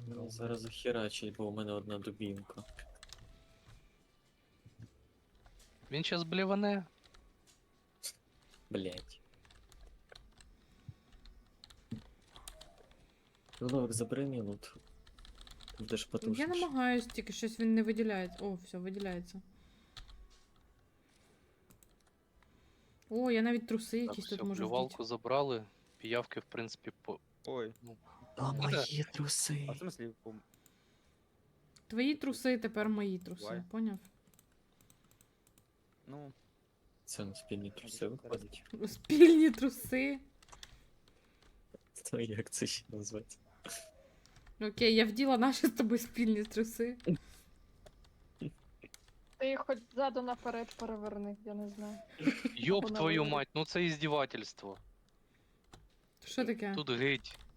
Зараз захерачить, бо у мене одна дубінка. Він щас бліване. Блять. Ловик, забери мій лут. Будеш Я потужніше. намагаюсь, тільки щось він не виділяється. О, все, виділяється. О, я навіть труси Так, якісь все, тут можу блювалку вдіти. забрали. Піявки, в принципі, по... Ой, А мої труси. а в смысле? Твої труси тепер мої труси, Буває. поняв? Ну, Це на спільні труси виходить. Спільні труси. То як це ще назвати? Окей, я вділа наші з тобою спільні труси. Ти їх хоч ззаду наперед переверни, я не знаю. Йоп Вона твою виглядає. мать, ну це іздівательство. Що таке? Тут геть.